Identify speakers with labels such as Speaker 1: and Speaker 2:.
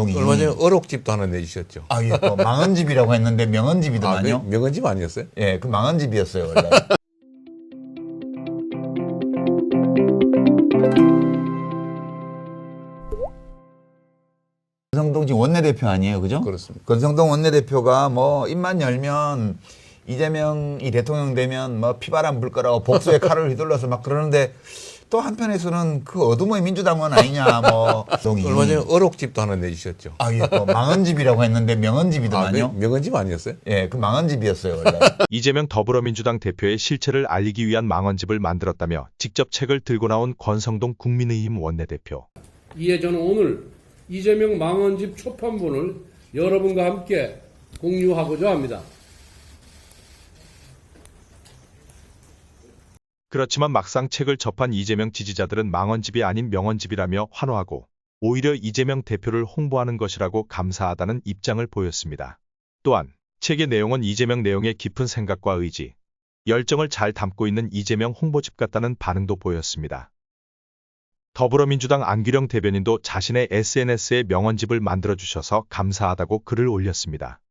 Speaker 1: 건성동이.
Speaker 2: 얼마 전에 어록집도 하나 내주셨죠.
Speaker 1: 아, 예, 또 망언집이라고 했는데 명언집이더만요.
Speaker 2: 명언집 아니었어요?
Speaker 1: 예, 그 망언집이었어요, 원래. 건성동 지금 원내대표 아니에요, 그죠?
Speaker 2: 그렇습니다.
Speaker 1: 건성동 원내대표가 뭐 입만 열면 이재명이 대통령 되면 뭐 피바람 불 거라고 복수의 칼을 휘둘러서 막 그러는데 또 한편에서는 그 어둠의 민주당은 아니냐 뭐.
Speaker 2: 얼마 전에 어록집도 하나 내주셨죠.
Speaker 1: 아, 예, 또 망언집이라고 했는데 명언집이더만요.
Speaker 2: 명언집 아니었어요?
Speaker 1: 예, 그 망언집이었어요, 원래.
Speaker 3: 이재명 더불어민주당 대표의 실체를 알리기 위한 망언집을 만들었다며 직접 책을 들고 나온 권성동 국민의힘 원내대표.
Speaker 4: 이에 저는 오늘 이재명 망언집 초판본을 여러분과 함께 공유하고자 합니다.
Speaker 3: 그렇지만 막상 책을 접한 이재명 지지자들은 망언집이 아닌 명언집이라며 환호하고 오히려 이재명 대표를 홍보하는 것이라고 감사하다는 입장을 보였습니다. 또한 책의 내용은 이재명 내용의 깊은 생각과 의지, 열정을 잘 담고 있는 이재명 홍보집 같다는 반응도 보였습니다. 더불어민주당 안규령 대변인도 자신의 SNS에 명언집을 만들어주셔서 감사하다고 글을 올렸습니다.